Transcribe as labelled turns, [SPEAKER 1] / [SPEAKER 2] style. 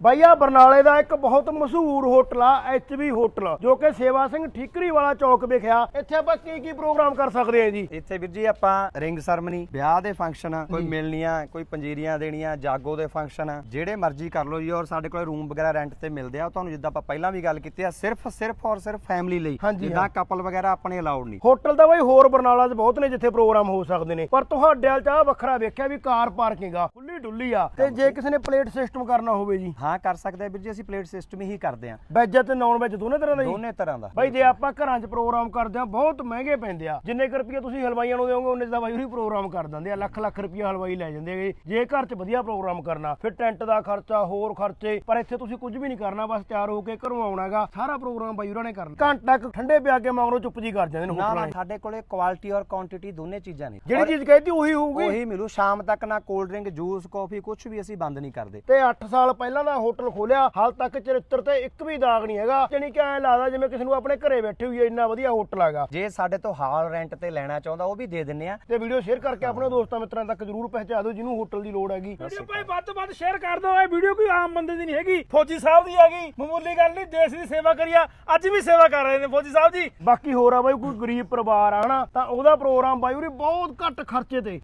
[SPEAKER 1] ਬਾਈ ਆ ਬਰਨਾਲੇ ਦਾ ਇੱਕ ਬਹੁਤ ਮਸ਼ਹੂਰ ਹੋਟਲ ਆ HB ਹੋਟਲ ਜੋ ਕਿ ਸੇਵਾ ਸਿੰਘ ਠੀਕਰੀ ਵਾਲਾ ਚੌਕ ਵਿਖਿਆ। ਇੱਥੇ ਆਪਾਂ ਕੀ ਪ੍ਰੋਗਰਾਮ ਕਰ ਸਕਦੇ ਆ ਜੀ?
[SPEAKER 2] ਇੱਥੇ ਵੀਰ ਜੀ ਆਪਾਂ ਰਿੰਗ ਸਰਮਨੀ, ਵਿਆਹ ਦੇ ਫੰਕਸ਼ਨ, ਕੋਈ ਮਿਲਣੀਆਂ, ਕੋਈ ਪੰਜੀਰੀਆਂ ਦੇਣੀਆਂ, ਜਾਗੋ ਦੇ ਫੰਕਸ਼ਨ ਜਿਹੜੇ ਮਰਜ਼ੀ ਕਰ ਲਓ ਜੀ। ਔਰ ਸਾਡੇ ਕੋਲ ਰੂਮ ਵਗੈਰਾ ਰੈਂਟ ਤੇ ਮਿਲਦੇ ਆ। ਤੁਹਾਨੂੰ ਜਿੱਦਾਂ ਆਪਾਂ ਪਹਿਲਾਂ ਵੀ ਗੱਲ ਕੀਤੀ ਆ, ਸਿਰਫ ਔਰ ਸਿਰਫ ਫੈਮਿਲੀ ਲਈ, ਜਿੱਦਾਂ ਕਪਲ ਵਗੈਰਾ ਆਪਣੇ ਅਲਾਉਡ ਨਹੀਂ।
[SPEAKER 1] ਹੋਟਲ ਤਾਂ ਬਾਈ ਹੋਰ ਬਰਨਾਲਾ 'ਚ ਬਹੁਤ ਨੇ ਜਿੱਥੇ ਪ੍ਰੋਗਰਾਮ ਹੋ ਸਕਦੇ ਨੇ, ਪਰ ਤੁਹਾਡੇ ਵਾਲ 'ਚ ਆ ਵੱਖਰਾ ਵੇਖਿਆ ਵੀ ਕਾਰ ਪਾਰਕਿੰਗ ਆ, ਖੁੱਲੀ ਡੁੱਲੀ ਆ। ਤੇ ਜੇ ਕਿਸੇ ਨੇ ਪਲੇਟ ਸਿਸਟਮ ਕਰਨਾ ਹੋਵੇ ਜੀ?
[SPEAKER 2] ਹਾਂ ਕਰ ਸਕਦੇ ਆ ਵੀਰ ਜੀ, ਅਸੀਂ ਪਲੇਟ ਸਿਸਟਮ ਹੀ ਕਰਦੇ ਆ।
[SPEAKER 1] ਵੈਜ ਤੇ ਨਾਨ ਵੈਜ ਦੋਨੇ ਤਰ੍ਹਾਂ ਦਾ ਜੀ?
[SPEAKER 2] ਦੋਨੇ ਤਰ੍ਹਾਂ ਦਾ
[SPEAKER 1] ਬਾਈ। ਜੇ ਆਪਾਂ ਘਰਾਂ 'ਚ ਪ੍ਰੋਗਰਾਮ ਕਰਦੇ ਆ ਬਹੁਤ ਮਹਿੰਗੇ ਪੈਂਦੇ ਆ। ਜਿੰਨੇ ਕੁ ਰੁਪਏ ਤੁਸੀਂ ਹਲਵਾਈਆਂ ਨੂੰ ਦਿਓਗੇ ਉਹਨੇ ਦਾ ਬਾਈ ਉਹੀ ਪ੍ਰੋਗਰਾਮ ਕਰ ਦਿੰਦੇ ਆ। ਲੱਖ ਰੁਪਏ ਹਲਵਾਈ ਲੈ ਜਾਂਦੇ ਹੈਗੇ। ਜੇ ਘਰ 'ਚ ਵਧੀਆ ਪ੍ਰੋਗਰਾਮ ਕਰਨਾ ਫਿਰ ਟੈਂਟ ਦਾ ਖਰਚਾ, ਹੋਰ ਖਰਚੇ। ਪਰ ਇੱਥੇ ਤੁਸੀਂ ਕੁਝ ਵੀ ਨਹੀਂ ਕਰਨਾ, ਬਸ ਤਿਆਰ ਹੋ ਕੇ ਘਰੋਂ ਆਉਣਾਗਾ, ਸਾਰਾ ਪ੍ਰੋਗਰਾਮ ਬਾਈ ਉਹਨਾਂ ਨੇ ਕਰਨਾ। ਘੰਟਾ ਕੁ ਠੰਡੇ ਪਿਆ ਕੇ ਮਗਰੋਂ ਚੁੱਪ ਜੀ ਕਰ ਜਾਂਦੇ ਨੇ ਹੋਟਲਾਂ ਵਾਲੇ।
[SPEAKER 2] ਸਾਡੇ ਕੋਲੇ ਕੁਆਲਿਟੀ ਔਰ ਕੁਆਂਟੀਟੀ ਦੋਨੇ ਚੀਜ਼ਾਂ ਨੇ।
[SPEAKER 1] ਜਿਹੜੀ ਚੀਜ਼ ਕਹਿੰਦੀ ਉਹੀ ਹੋਊਗੀ,
[SPEAKER 2] ਉਹੀ ਮਿਲੂ ਸ਼ਾਮ ਤੱਕ। ਨਾ ਕੋਲਡ ਡਰਿੰਕ, ਜੂਸ, ਕਾਫੀ ਕੁਝ ਵੀ ਅਸੀਂ ਬੰਦ ਨਹੀਂ ਕਰਦੇ।
[SPEAKER 1] ਤੇ 8 ਸਾਲ ਪਹਿਲਾਂ ਦਾ ਹੋਟਲ ਖੋਲਿਆ, ਹਾਲ ਤੱਕ ਚਰਿੱਤਰ ਤੇ ਇੱਕ ਵੀ ਦਾਗ ਨਹੀਂ ਹੈਗਾ। ਜਾਨੀ ਕਿ ਐਂ ਲੱਗਦਾ ਜਿਵੇਂ ਕਿਸੇ ਨੂੰ ਆਪਣੇ ਘਰੇ ਬੈਠੇ ਹੋਈ ਇੰਨਾ ਵਧੀਆ ਹੋਟਲ ਹੈਗਾ।
[SPEAKER 2] ਜੇ ਸਾਡੇ ਤੋਂ ਹਾਲ ਰੈਂਟ ਤੇ ਲੈਣਾ ਚਾਹੁੰਦਾ ਉਹ ਵੀ ਦੇ ਦਿੰਨੇ ਆ।
[SPEAKER 1] ਤੇ ਵੀਡੀਓ ਸ਼ੇਅਰ ਕਰਕੇ ਆਪਣੇ ਦੋਸਤਾਂ ਮਿੱਤਰਾਂ ਤੱਕ ਜਰੂਰ ਪਹੁੰਚਾ ਦਿਓ ਜਿਹਨੂੰ ਹੋਟਲ ਦੀ ਲੋੜ ਹੈਗੀ।
[SPEAKER 3] ਵੀਡੀਓ ਭਾਈ ਵੱਧ ਤੋਂ ਵੱਧ ਸ਼ੇਅਰ ਕਰ ਦਿਓ। ਇਹ ਵੀਡੀਓ ਕੋਈ ਆਮ ਬੰਦੇ ਦੀ ਨਹੀਂ ਹੈਗੀ, ਫੌਜੀ ਸਾਹਿਬ ਦੀ ਹੈਗੀ। ਮਾਮੂਲੀ ਗੱਲ ਨਹੀਂ, ਦੇਸ਼ ਦੀ ਸੇਵਾ ਕਰੀਆ। ਅੱਜ ਵੀ ਸੇਵਾ ਕਰ ਰਹੇ ਨੇ ਫੌਜੀ ਸਾਹਿਬ ਜੀ।
[SPEAKER 1] ਬਾਕੀ ਹੋਰ ਆ ਬਾਈ, ਕੋਈ ਗਰੀਬ ਪਰਿਵਾਰ ਆ ਹਨਾ, ਤਾਂ ਉਹਦਾ ਪ੍ਰੋਗਰਾਮ ਬਾਈ ਉਰੇ ਬਹੁਤ ਘੱਟ ਖਰਚੇ ਤੇ